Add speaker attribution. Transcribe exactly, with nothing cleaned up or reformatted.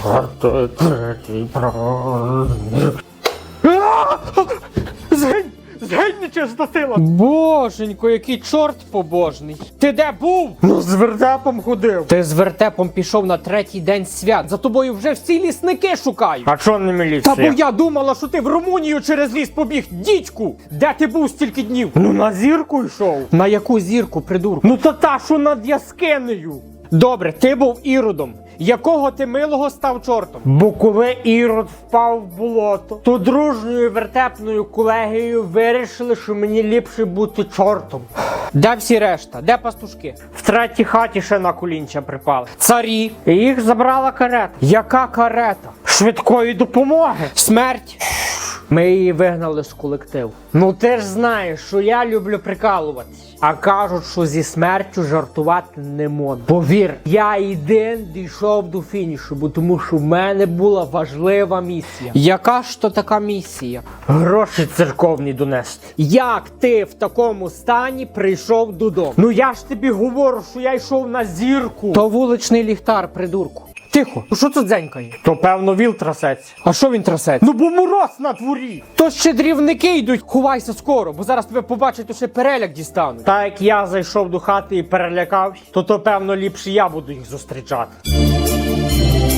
Speaker 1: Четвертий, третій праздник. Згинь! Згинь, нечиста сила!
Speaker 2: Боженько, який чорт побожний. Ти де був?
Speaker 1: Ну, з вертепом ходив.
Speaker 2: Ти з вертепом пішов на третій день свят. За тобою вже всі лісники шукають.
Speaker 1: А чо не міліція?
Speaker 2: Та бо я думала, що ти в Румунію через ліс побіг. Дідьку! Де ти був стільки днів?
Speaker 1: Ну, на зірку йшов.
Speaker 2: На яку зірку, придурку?
Speaker 1: Ну, та та, що над яскинею.
Speaker 2: Добре, ти був Іродом. Якого ти милого став чортом?
Speaker 1: Бо коли Ірод впав в болото, то дружньою вертепною колегією вирішили, що мені ліпше бути чортом.
Speaker 2: Де всі решта? Де пастушки?
Speaker 1: В третій хаті ще на колінча припали.
Speaker 2: Царі.
Speaker 1: І їх забрала карета.
Speaker 2: Яка карета?
Speaker 1: Швидкої допомоги.
Speaker 2: Смерть.
Speaker 1: Ми її вигнали з колективу. Ну ти ж знаєш, що я люблю прикалуватись. А кажуть, що зі смертю жартувати не можна. Повір, я один дійшов до фінішу, бо тому що в мене була важлива місія.
Speaker 2: Яка ж то така місія?
Speaker 1: Гроші церковні донести.
Speaker 2: Як ти в такому стані прийшов додому?
Speaker 1: Ну я ж тобі говорю, що я йшов на зірку.
Speaker 2: То вуличний ліхтар, придурку. Тихо, ну що це дзенькає?
Speaker 1: То певно віл трасеться.
Speaker 2: А що він трасеться?
Speaker 1: Ну бо мороз на дворі.
Speaker 2: То ще дрівники йдуть. Ховайся скоро, бо зараз тебе побачать, то ще переляк дістануть.
Speaker 1: Та як я зайшов до хати і перелякався, то то певно ліпше я буду їх зустрічати.